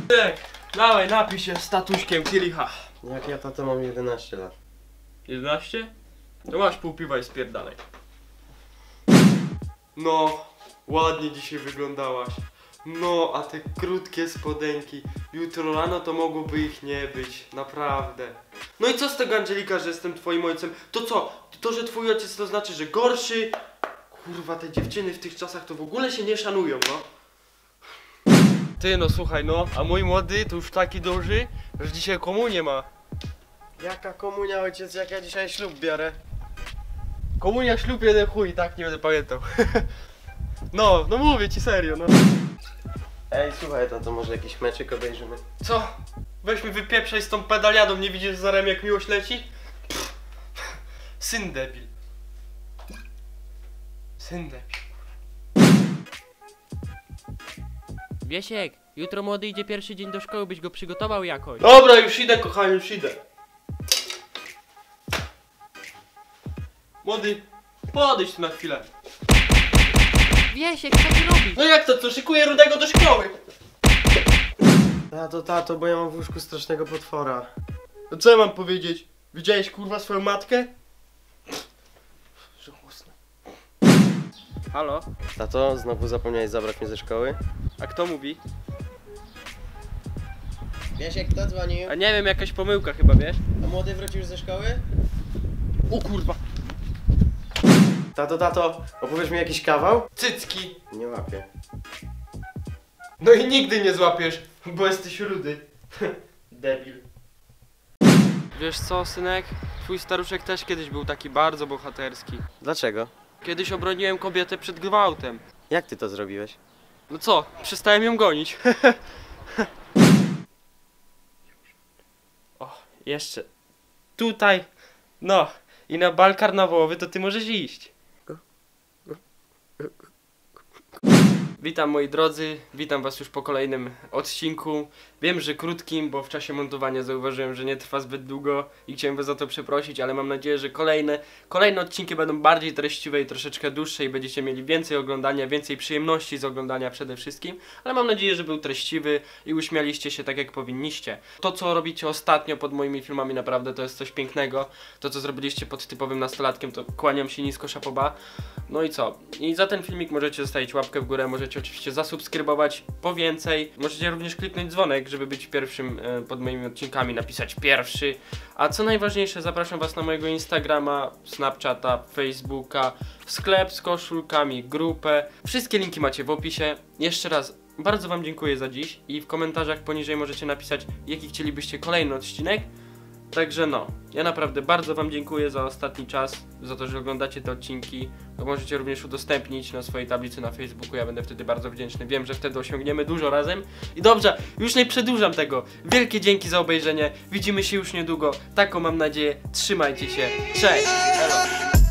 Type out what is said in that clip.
Dawaj, napij się z tatuśkiem kielicha. Jak ja, tato, mam 11 lat. 11? To masz pół piwa i spierdalaj. No, ładnie dzisiaj wyglądałaś. No, a te krótkie spodenki. Jutro rano to mogłoby ich nie być, naprawdę. No i co z tego, Angelika, że jestem twoim ojcem? To co? To, że twój ojciec to znaczy, że gorszy? Kurwa, te dziewczyny w tych czasach to w ogóle się nie szanują, no. Ty, no słuchaj, no, a mój młody to już taki duży, że dzisiaj komunię ma. Jaka komunia, ojciec, jak ja dzisiaj ślub biorę? Komunia, ślub, jeden chuj, tak nie będę pamiętał. No mówię ci serio, no. Ej, słuchaj, tato, może jakiś meczyk obejrzymy? Co? Weź mi wypieprzaj z tą pedaliadą, nie widzisz zarem jak miłość leci? Pff. Syn debil. Syn debil. Wiesiek, jutro młody idzie pierwszy dzień do szkoły, byś go przygotował jakoś. Dobra, już idę, kochanie, już idę. Młody, podejdź tu na chwilę. Wiesiek, co ty robisz? No jak to, co? Szykuję Rudego do szkoły. Tato, bo ja mam w łóżku strasznego potwora. No co ja mam powiedzieć? Widziałeś kurwa swoją matkę? Żałosne. Halo? Tato, znowu zapomniałeś zabrać mnie ze szkoły? A kto mówi? Wiesiek, kto dzwonił? A nie wiem, jakaś pomyłka chyba, wiesz? A młody wrócił już ze szkoły? O kurwa. Tato, opowiesz mi jakiś kawał? Cycki. Nie łapię. No i nigdy nie złapiesz, bo jesteś rudy. Debil. Wiesz co, synek? Twój staruszek też kiedyś był taki bardzo bohaterski. Dlaczego? Kiedyś obroniłem kobietę przed gwałtem. Jak ty to zrobiłeś? No co? Przestałem ją gonić. O, jeszcze. Tutaj. No. I na bal karnawałowy to ty możesz iść. Witam moi drodzy, witam was już po kolejnym odcinku. Wiem, że krótkim, bo w czasie montowania zauważyłem, że nie trwa zbyt długo i chciałem was za to przeprosić, ale mam nadzieję, że kolejne odcinki będą bardziej treściwe i troszeczkę dłuższe i będziecie mieli więcej oglądania, więcej przyjemności z oglądania przede wszystkim, ale mam nadzieję, że był treściwy i uśmialiście się tak jak powinniście. To co robicie ostatnio pod moimi filmami naprawdę to jest coś pięknego. To co zrobiliście pod typowym nastolatkiem to kłaniam się nisko, szapoba. No i co? I za ten filmik możecie zostawić łapkę w górę, możecie oczywiście zasubskrybować po więcej. Możecie również kliknąć dzwonek, żeby być pierwszym pod moimi odcinkami, napisać pierwszy. A co najważniejsze, zapraszam was na mojego Instagrama, Snapchata, Facebooka, sklep z koszulkami, grupę. Wszystkie linki macie w opisie. Jeszcze raz bardzo wam dziękuję za dziś i w komentarzach poniżej możecie napisać, jaki chcielibyście kolejny odcinek. Także no, ja naprawdę bardzo wam dziękuję za ostatni czas, za to, że oglądacie te odcinki. To możecie również udostępnić na swojej tablicy na Facebooku, ja będę wtedy bardzo wdzięczny. Wiem, że wtedy osiągniemy dużo razem. I dobrze, już nie przedłużam tego. Wielkie dzięki za obejrzenie, widzimy się już niedługo. Taką mam nadzieję, trzymajcie się, cześć! Elo.